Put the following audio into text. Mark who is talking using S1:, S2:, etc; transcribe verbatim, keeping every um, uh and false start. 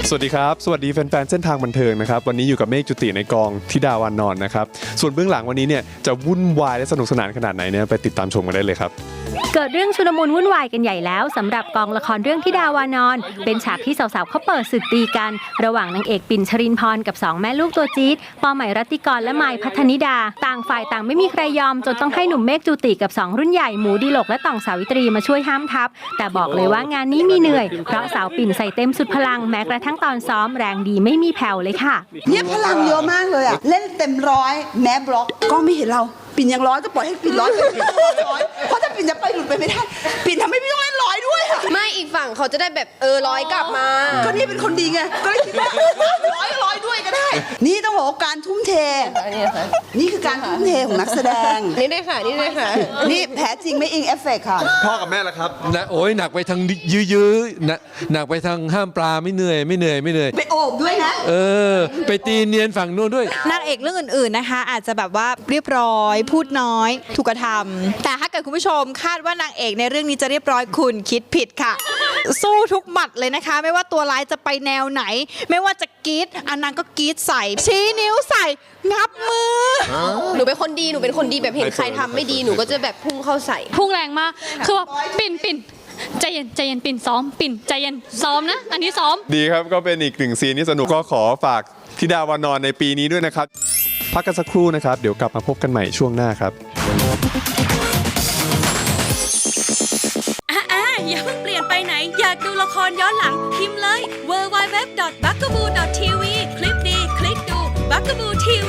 S1: สวัสดีครับสวัสดีแฟนๆเส้นทางบันเทิงนะครับวันนี้อยู่กับเมฆจุติในกองธิดาวานอนนะครับส่วนเบื้องหลังวันนี้เนี่ยจะวุ่นวายและสนุกสนานขนาดไหนเนี่ยไปติดตามชมกันได้เลยครับ
S2: เกิดเรื่องชุลมุนวุ่นวายกันใหญ่แล้วสำหรับกองละครเรื่องธิดาวานอนเป็นฉากที่สาวๆเขาเปิดศึกตีกันระหว่างนางเอกปิ่นชรินพรกับสองแม่ลูกตัวจี๊ดปอใหม่รัตติกรและไมค์พัฒนิดาต่างฝ่ายต่างไม่มีใครยอมจนต้องให้หนุ่มเมฆจุติกับสองรุ่นใหญ่หมูดีหลกและต่องสาวิตรีมาช่วยห้ามทับแต่บอกเลยว่างานนี้มีเหนื่อยเพราะสาวปิ่นใส่เต็มสุดพลังแม้กระทั่งตอนซ้อมแรงดีไม่มีแผ่วเลยค่ะ
S3: เนี่ยพลังเยอะมากเลยอ่ะเล่นเต็มร้อยแม้บล็อกก็ไม่เห็นเราปิ่นยังร้อยก็ปล่อยให้ปิ่นร้อยร้อยเพราะถ้าปิ่นจะไปหลุดไปไม่ได้ปิ่นทำให้พี่ต้องเล่นร้อยด้วยอะ
S4: ไม่อีกฝั่งเขาจะได้แบบเออร้อยกลับมา
S3: ก็นี่เป็นคนดีไงก็เลยคิดว่าร้อยร้อยด้วยก็ได้นี่ต้องบอกว่าการทุ่มเทนี่คือการทุ่มเทของนักแสดง
S4: นี่ด้วยค่ะนี่ด้วยค่ะ
S3: นี่แพ้จริงไม่อิงเอฟเฟกต์ค่ะ
S1: พ่อกับแม่ล่ะครับ
S5: นะโอ้ยหนักไปทางยื้อๆนะหนักไปทางห้ามปลาไม่เหนื่อยไม่เหนื่อยไม่เหนื่อย
S3: ไปโอบด้วยนะ
S5: เออไปตีเนียนฝั่งนู้นด้วย
S6: นางเอกเรื่องอื่นๆนะคะอาจจะแบบว่าเรียบร้อยพูดน้อยถูกกระทำแต่ถ้าเกิดคุณผู้ชมคาดว่านางเอกในเรื่องนี้จะเรียบร้อยคุณคิดผิดค่ะสู้ทุกหมัดเลยนะคะไม่ว่าตัวร้ายจะไปแนวไหนไม่ว่าจะกรี๊ดอันนางก็กรี๊ดใส่ชี้นิ้วใส่งับมือ
S4: หนูเป็นคนดีหนูเป็นคนดีแบบเห็นใครทำไม่ดีหนูก็จะแบบพุ่งเข้าใส่
S7: พุ่งแรงมากคือว่าปิ่นปิ่นใจเย็นใจเย็นปิ่นซ้อมปิ่นใจเย็นซ้อมนะอันนี้ซ้อม
S1: ดีครับก็เป็นอีกหนึ่งซีนที่สนุกก็ขอฝากธิดาวานอนในปีนี้ด้วยนะครับพักกันสักครู่นะครับเดี๋ยวกลับมาพบกันใหม่ช่วงหน้าครับ
S8: อ่าอย่าเพิ่งเปลี่ยนไปไหนอยากดูละครย้อนหลังพิมพ์เลย ดับเบิลยู ดับเบิลยู ดับเบิลยู ดอท บักกะบู ดอท ที วี คลิปดีคลิกดู บักกะบู ที วี